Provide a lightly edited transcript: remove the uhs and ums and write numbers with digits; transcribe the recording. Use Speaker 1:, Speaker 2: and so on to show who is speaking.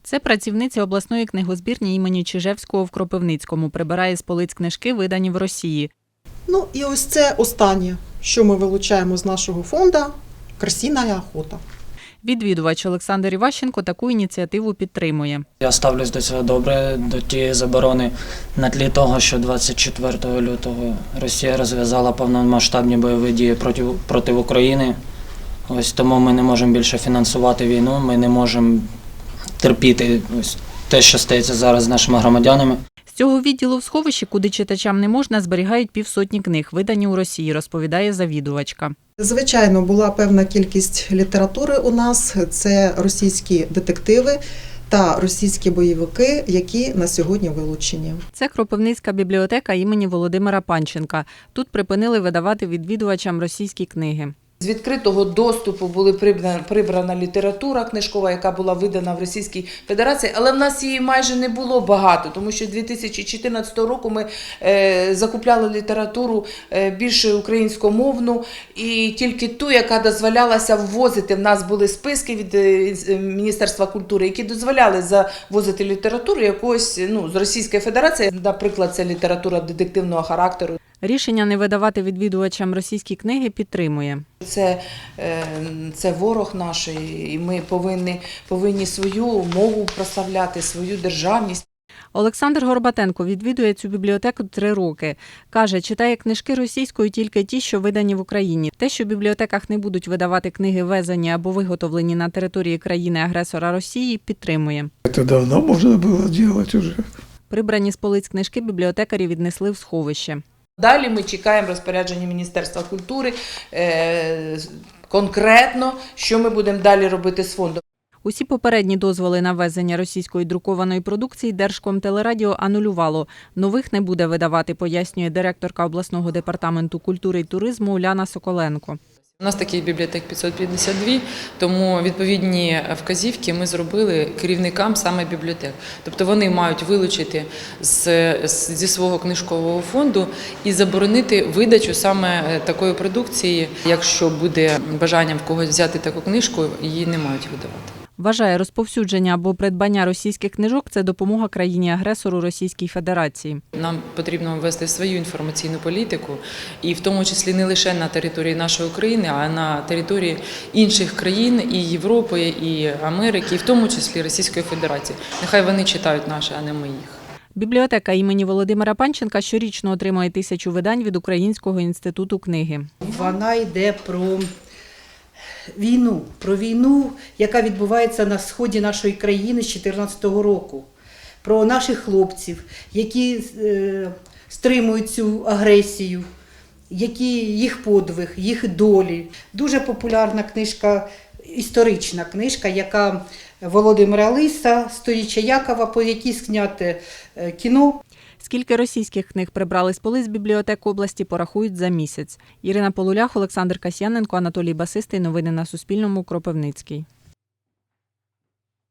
Speaker 1: Це працівниця обласної книгозбірні імені Чижевського в Кропивницькому. Прибирає з полиць книжки, видані в Росії.
Speaker 2: Ну і ось це останнє, що ми вилучаємо з нашого фонду – «Крысиная охота».
Speaker 1: Відвідувач Олександр Іващенко таку ініціативу підтримує.
Speaker 3: Я ставлюсь до цього добре, до тієї заборони на тлі того, що 24 лютого Росія розв'язала повномасштабні бойові дії проти України. Ось тому ми не можемо більше фінансувати війну, ми не можемо терпіти ось те, що стається зараз з нашими громадянами.
Speaker 1: З цього відділу в сховищі, куди читачам не можна, зберігають 500 книг, видані у Росії, розповідає завідувачка.
Speaker 2: Звичайно, була певна кількість літератури у нас. Це російські детективи та російські бойовики, які на сьогодні вилучені.
Speaker 1: Це Кропивницька бібліотека імені Володимира Панченка. Тут припинили видавати відвідувачам російські книги.
Speaker 4: З відкритого доступу була прибрана література книжкова, яка була видана в Російській Федерації, але в нас її майже не було багато, тому що 2014 року ми закупляли літературу більше українськомовну і тільки ту, яка дозволялася ввозити. В нас були списки від Міністерства культури, які дозволяли завозити літературу якоїсь з Російської Федерації. Наприклад, це література детективного характеру.
Speaker 1: Рішення не видавати відвідувачам російські книги підтримує.
Speaker 4: Це ворог наш, і ми повинні свою мову прославляти, свою державність.
Speaker 1: Олександр Горбатенко відвідує цю бібліотеку 3 роки. Каже, читає книжки російською тільки ті, що видані в Україні. Те, що в бібліотеках не будуть видавати книги, ввезені або виготовлені на території країни-агресора Росії, підтримує.
Speaker 5: Це давно можна було робити вже.
Speaker 1: Прибрані з полиць книжки бібліотекарі віднесли в сховище.
Speaker 4: Далі ми чекаємо розпорядження Міністерства культури конкретно, що ми будемо далі робити з фондом.
Speaker 1: Усі попередні дозволи на ввезення російської друкованої продукції Держкомтелерадіо анулювало. Нових не буде видавати, пояснює директорка обласного департаменту культури і туризму Уляна Соколенко.
Speaker 6: У нас таких бібліотек 552, тому відповідні вказівки ми зробили керівникам саме бібліотек. Тобто вони мають вилучити зі свого книжкового фонду і заборонити видачу саме такої продукції. Якщо буде бажання в когось взяти таку книжку, її не мають видавати.
Speaker 1: Вважає, розповсюдження або придбання російських книжок – це допомога країні-агресору Російській Федерації.
Speaker 6: Нам потрібно ввести свою інформаційну політику, і в тому числі не лише на території нашої України, а на території інших країн, і Європи, і Америки, і в тому числі Російської Федерації. Нехай вони читають наші, а не ми їх.
Speaker 1: Бібліотека імені Володимира Панченка щорічно отримує 1000 видань від Українського інституту книги.
Speaker 7: Вона йде про війну, яка відбувається на сході нашої країни з 2014 року, про наших хлопців, які стримують цю агресію, які їх подвиг, їх долі. Дуже популярна книжка, історична книжка, яка Володимира Лиса, «Сторіччя Якова», по якій зняте кіно.
Speaker 1: Скільки російських книг прибрали з полиць бібліотек області, порахують за місяць. Ірина Полулях, Олександр Касьяненко, Анатолій Басистий. Новини на Суспільному. Кропивницький.